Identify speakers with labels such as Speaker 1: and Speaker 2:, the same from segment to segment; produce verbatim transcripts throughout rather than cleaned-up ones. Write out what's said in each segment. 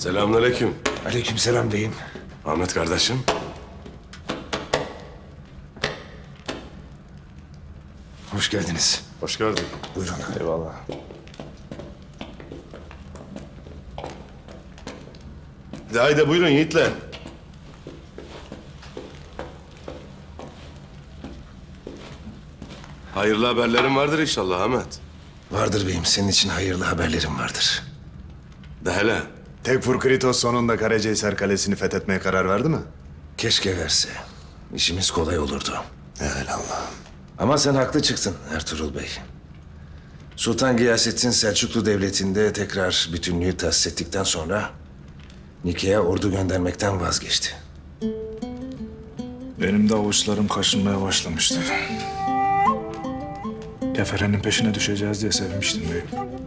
Speaker 1: Selamünaleyküm.
Speaker 2: Aleykümselam beyim.
Speaker 1: Ahmet kardeşim.
Speaker 2: Hoş geldiniz.
Speaker 1: Hoş geldin.
Speaker 2: Buyurun.
Speaker 1: Eyvallah. De haydi buyurun yiğitler. Hayırlı haberlerim vardır inşallah Ahmet.
Speaker 2: Vardır beyim. Senin için hayırlı haberlerim vardır.
Speaker 1: De hele.
Speaker 3: Tekfur Kritos sonunda Karacahisar Kalesi'ni fethetmeye karar verdi mi?
Speaker 2: Keşke verse. İşimiz kolay olurdu.
Speaker 3: Evelallah.
Speaker 2: Ama sen haklı çıktın Ertuğrul Bey. Sultan Gıyasettin Selçuklu Devleti'nde tekrar bütünlüğü tahsis ettikten sonra Nike'ye ordu göndermekten vazgeçti.
Speaker 4: Benim de avuçlarım kaşınmaya başlamıştı. Keferenin peşine düşeceğiz diye sevmiştim beyim.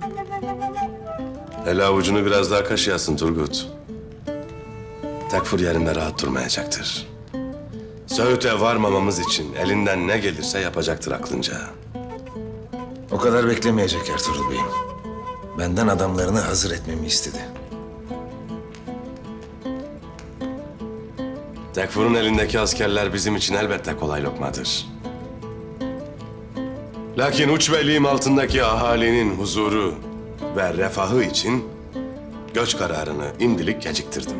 Speaker 1: Hele avucunu biraz daha kaşıyasın Turgut. Tekfur yerinde rahat durmayacaktır. Söğüt'e varmamamız için elinden ne gelirse yapacaktır aklınca.
Speaker 2: O kadar beklemeyecek Ertuğrul Bey'im. Benden adamlarını hazır etmemi istedi.
Speaker 1: Tekfur'un elindeki askerler bizim için elbette kolay lokmadır. Lakin uç beyliğim altındaki ahalinin huzuru ve refahı için göç kararını imdilik geciktirdim.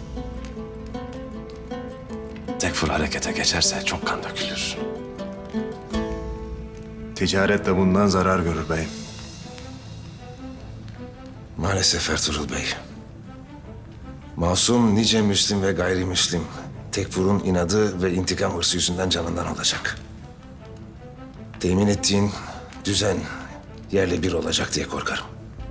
Speaker 1: Tekfur harekete geçerse çok kan dökülür.
Speaker 3: Ticaret de bundan zarar görür beyim.
Speaker 2: Maalesef Ertuğrul Bey. Masum nice Müslim ve gayrimüslim Tekfur'un inadı ve intikam hırsı yüzünden canından olacak. Temin ettiğin düzen yerle bir olacak diye korkarım.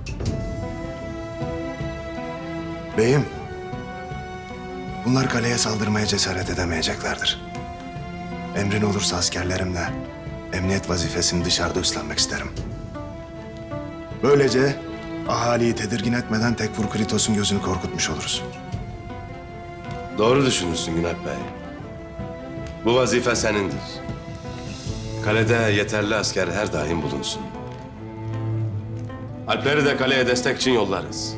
Speaker 3: Beyim, bunlar kaleye saldırmaya cesaret edemeyeceklerdir. Emrin olursa askerlerimle emniyet vazifesini dışarıda üstlenmek isterim. Böylece ahaliyi tedirgin etmeden Tekfur Kritos'un gözünü korkutmuş oluruz.
Speaker 1: Doğru düşünürsün Günalp Bey. Bu vazife senindir. Kalede yeterli asker her daim bulunsun. Alpleri de kaleye destek için yollarız.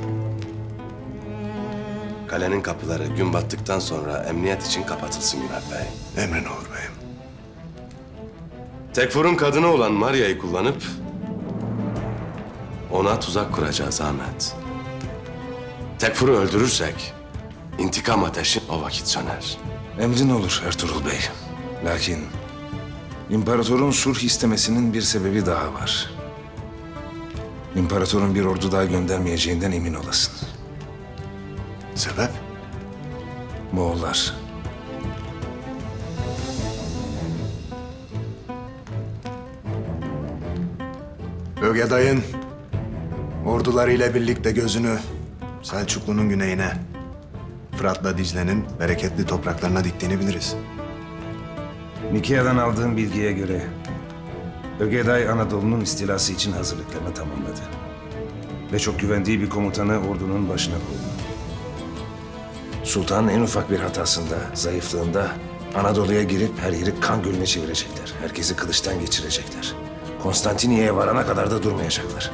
Speaker 1: Kalenin kapıları gün battıktan sonra emniyet için kapatılsın Günalp Bey.
Speaker 3: Emrin olur beyim.
Speaker 1: Tekfur'un kadını olan Maria'yı kullanıp ona tuzak kuracağız Ahmet. Tekfur'u öldürürsek intikam ateşi o vakit söner.
Speaker 2: Emrin olur Ertuğrul Bey. Lakin imparatorun sulh istemesinin bir sebebi daha var. İmparatorun bir ordu daha göndermeyeceğinden emin olasın.
Speaker 3: Sebep?
Speaker 2: Moğollar.
Speaker 3: Ögeday'ın ordularıyla birlikte gözünü Selçuklu'nun güneyine, Fırat'la Dicle'nin bereketli topraklarına diktiğini biliriz.
Speaker 2: Nikea'dan aldığım bilgiye göre Ögeday Anadolu'nun istilası için hazırlıklarını tamamladı. Ve çok güvendiği bir komutanı ordunun başına koydu. Sultan en ufak bir hatasında, zayıflığında Anadolu'ya girip her yeri kan gölüne çevirecekler. Herkesi kılıçtan geçirecekler. Konstantiniyye'ye varana kadar da durmayacaklar.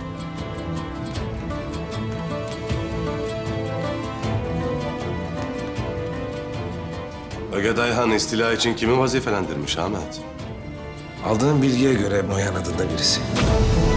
Speaker 1: Ögeday Han istila için kimi vazifelendirmiş Ahmet?
Speaker 2: Aldığım bilgiye göre Noyan adında birisi.